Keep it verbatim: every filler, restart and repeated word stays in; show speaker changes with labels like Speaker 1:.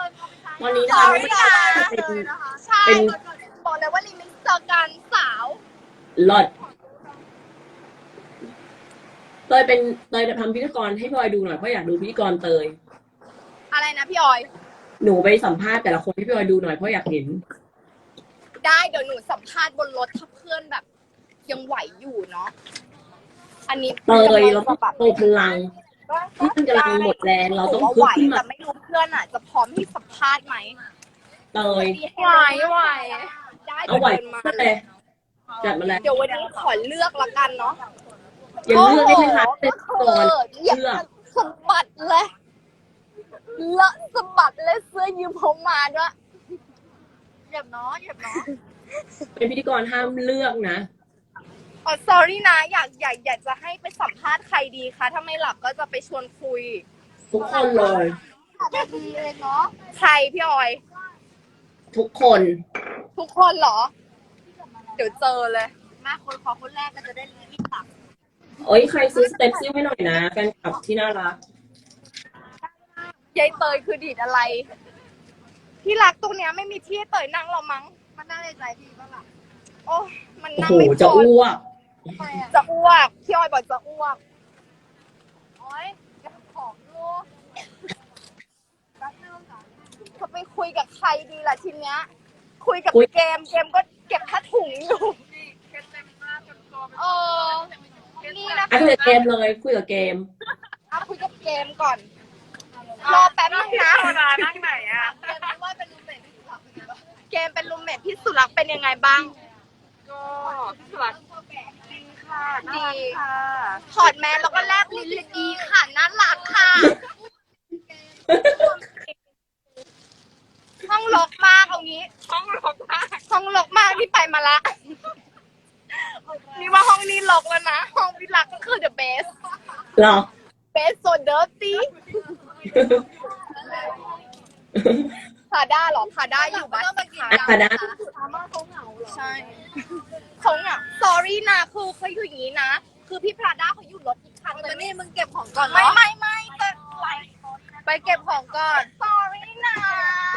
Speaker 1: วันนี้
Speaker 2: ส
Speaker 1: นะ
Speaker 2: อ
Speaker 1: คะ
Speaker 2: รี่นะ
Speaker 1: เป็น
Speaker 2: ใช่
Speaker 1: เป็น
Speaker 2: บอกเลยว่ารีมิกซ์เจอกันสาว
Speaker 1: หลอดเตยเป็นเตยจะทำพิธีกรให้พลอยดูหน่อยเพราะอยากดูพิธีกรเตย
Speaker 2: อะไรนะพี่ออย
Speaker 1: หนูไปสัมภาษณ์แต่ละคนให้พี่พลอยดูหน่อยเพราะอยากเห็น
Speaker 2: ได้เดี๋ยวหนูสัมภาษณ์บนรถถ้าเพื่อนแบบ ยังไหวอยู่เนาะอันนี้
Speaker 1: เตยเราต้องโตพลังเพื่อนกำลังหมดแรงเราต้อง
Speaker 2: หนู
Speaker 1: พึ่
Speaker 2: ว่าไหว
Speaker 1: ขึ้นมา
Speaker 2: แต่ไม่รู้เพื่อนอ่ะ จะพร้อมที่สัมภาษณ์ไหม
Speaker 1: เตย
Speaker 2: ไหวไหวได้
Speaker 1: เอาไหว
Speaker 2: เดินมา
Speaker 1: เลยจัดมาแล้ว
Speaker 2: เดี๋ยววันนี้ขอเลือกละกันเนาะ
Speaker 1: อย่าเลือกได้ไหมคะเป็นก่อน
Speaker 2: เหยียบ
Speaker 1: เลือก
Speaker 2: สะบัดเลยเลอะสะบัดเลยเสื้อยืมผมมาด้วยเหยียบเนาะเหยียบเนาะ
Speaker 1: เป็นพิธีกรห้ามเลือกนะ
Speaker 2: อ๋อ sorry นะ อยากอยากอยากจะให้ไปสัมภาษณ์ใครดีคะ ถ้าไม่หลับก็จะไปชวนคุย
Speaker 1: ทุกคนเลย
Speaker 2: ดีเลยเนาะ ใครพี่ออย
Speaker 1: ทุกคน
Speaker 2: ทุกคนเหรอ เดี๋ยวเจอเลย มาคนขอคนแรกก็จะได้รีบตัก
Speaker 1: เอ้ยใครซื้อสเต็ปซิ่วให้หน่อยนะแฟนคลับที่น่ารัก
Speaker 2: ยายเตยคือดีดอะไร ที่รักตรงเนี้ยไม่มีที่ให้เตยนั่งหรอมั้ง มันนั่งในใจพี่บ้างล่ะ โอ้มัน
Speaker 1: โอ้
Speaker 2: นั่ง
Speaker 1: โห
Speaker 2: ไม่พ
Speaker 1: จะ
Speaker 2: อ
Speaker 1: อ้วก
Speaker 2: จะอ้วก พี่ออยบอกจะอ้วก โอ้ยเก็บของดูจะไปคุยกับใครดีล่ะทีเนี้ย คุยกับ
Speaker 1: คุย
Speaker 2: เกม เกมก็เก็บผ้าถุงอยู่ เออ นี่นะ
Speaker 1: อ่ะคุยกับเกมเลยคุยกับเกม
Speaker 2: เอาคุยกับเกมก่อน รอแป๊บนึงนะ
Speaker 3: นั่งไหนอ่ะ
Speaker 2: เกมเป็นรูมเมทพี่สุรักษ์เป็นยังไงบ้าง
Speaker 3: ก็พี่สุรัตน์ดีค่ะน่ารักค่ะ
Speaker 2: ถอดแมสแล้วก็แลบลิ้นเลยดีค่ะน่ารักค่ะ ห้องรกมากเอางี้
Speaker 3: ห้องรกมาก
Speaker 2: ห้องรกมากที่ไปมาละ นี่ว่าห้องนี้รกแล้วนะ ห้องพี่รักก็คือ the best
Speaker 1: หรอ
Speaker 2: best so dirty พาด้าเหรอพาด้าอยู่บ้านสิคะ
Speaker 1: อ่ะพาด้า
Speaker 2: ใช่เขาเหงา sorry นะคือเขาอยู่อย่างนี้นะ คือพี่พาด้าเขาอยู่รถอีกคันแต่นี่มึงเก็บของก่อนไม่ไม่ไม่แต่ไปไปเก็บของก่อน sorry นะ